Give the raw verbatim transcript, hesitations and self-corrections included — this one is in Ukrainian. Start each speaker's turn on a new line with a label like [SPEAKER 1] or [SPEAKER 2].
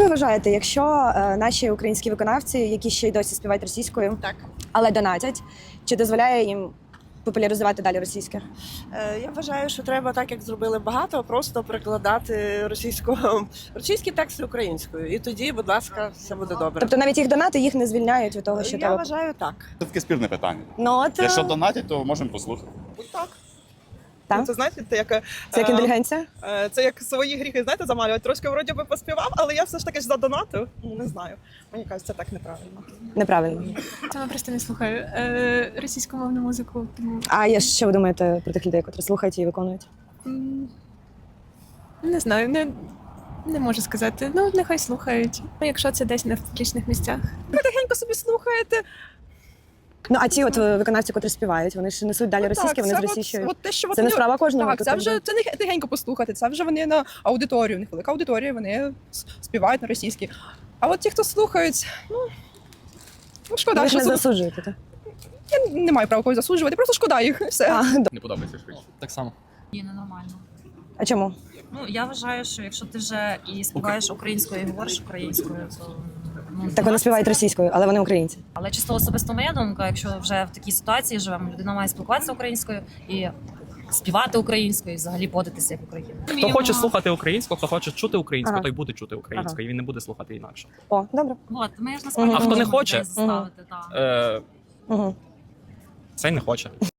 [SPEAKER 1] ви вважаєте, якщо е, наші українські виконавці, які ще й досі співають російською,
[SPEAKER 2] Так.
[SPEAKER 1] але донатять, чи дозволяє їм популяризувати далі російське?
[SPEAKER 2] Е, Я вважаю, що треба, так як зробили багато, просто перекладати російську російські тексти українською. І тоді, будь ласка, все буде добре.
[SPEAKER 1] Тобто навіть їх донати їх не звільняють від того, що
[SPEAKER 2] Я
[SPEAKER 1] треба.
[SPEAKER 2] вважаю так.
[SPEAKER 3] Це таке спірне питання.
[SPEAKER 1] Ну от е,
[SPEAKER 3] Якщо донатять, то можемо послухати.
[SPEAKER 4] Так.
[SPEAKER 1] Так?
[SPEAKER 4] Ну, це знаєте, це як,
[SPEAKER 1] це як
[SPEAKER 4] е,
[SPEAKER 1] інтелігенція?
[SPEAKER 4] е, це як свої гріхи, знаєте, замалювати. Трошки вроді би поспівав, але я все ж таки ж задонатив. Ну, не знаю. Мені кажуть, це так неправильно.
[SPEAKER 1] Неправильно.
[SPEAKER 5] Саме просто не слухаю е, російськомовну музику. Тому
[SPEAKER 1] А я що ви думаєте про тих людей, котрі слухають і виконують?
[SPEAKER 5] м, не знаю, не, не можу сказати. Ну, нехай слухають. Ну, якщо це десь не в публічних місцях.
[SPEAKER 4] Тихенько собі слухаєте.
[SPEAKER 1] Ну а ті от е, виконавці, котрі співають, вони ж несуть далі російське,
[SPEAKER 4] Так,
[SPEAKER 1] вони
[SPEAKER 4] це
[SPEAKER 1] з
[SPEAKER 4] от-
[SPEAKER 1] російською.
[SPEAKER 4] от те, що от
[SPEAKER 1] Це не
[SPEAKER 4] вони-
[SPEAKER 1] справа кожного.
[SPEAKER 4] Так,
[SPEAKER 1] тут
[SPEAKER 4] це
[SPEAKER 1] якби.
[SPEAKER 4] вже це не тихенько послухати, це вже вони на аудиторію. У них велика аудиторія, вони с- співають на російській. А от ті, хто слухають, ну, ну шкода,
[SPEAKER 1] Ви ж
[SPEAKER 4] що
[SPEAKER 1] не
[SPEAKER 4] слух-
[SPEAKER 1] засуджуєте, так?
[SPEAKER 4] я не маю права когось засуджувати, просто шкода їх. і Все.
[SPEAKER 1] А, д-
[SPEAKER 6] Не подобається швидше. Так само.
[SPEAKER 7] Ні, ненормально.
[SPEAKER 1] а чому?
[SPEAKER 7] Ну я вважаю, що якщо ти вже і співаєш українською, і говориш українською, то ну
[SPEAKER 1] Так вони співають російською, але вони українці.
[SPEAKER 7] Але чисто особисто моя думка, якщо вже в такій ситуації живемо, людина має спілкуватися українською і співати українською, і взагалі поводитися як Україна.
[SPEAKER 6] Хто хоче слухати українську, хто хоче чути українську,
[SPEAKER 1] Ага.
[SPEAKER 6] той буде чути українську,
[SPEAKER 1] Ага.
[SPEAKER 6] і він не буде слухати інакше.
[SPEAKER 1] О, добре.
[SPEAKER 7] От ми ж насправді
[SPEAKER 1] А хто не
[SPEAKER 7] можемо
[SPEAKER 6] хоче?
[SPEAKER 7] людей заставити, так.
[SPEAKER 6] Е,
[SPEAKER 1] Угу.
[SPEAKER 6] цей не хоче.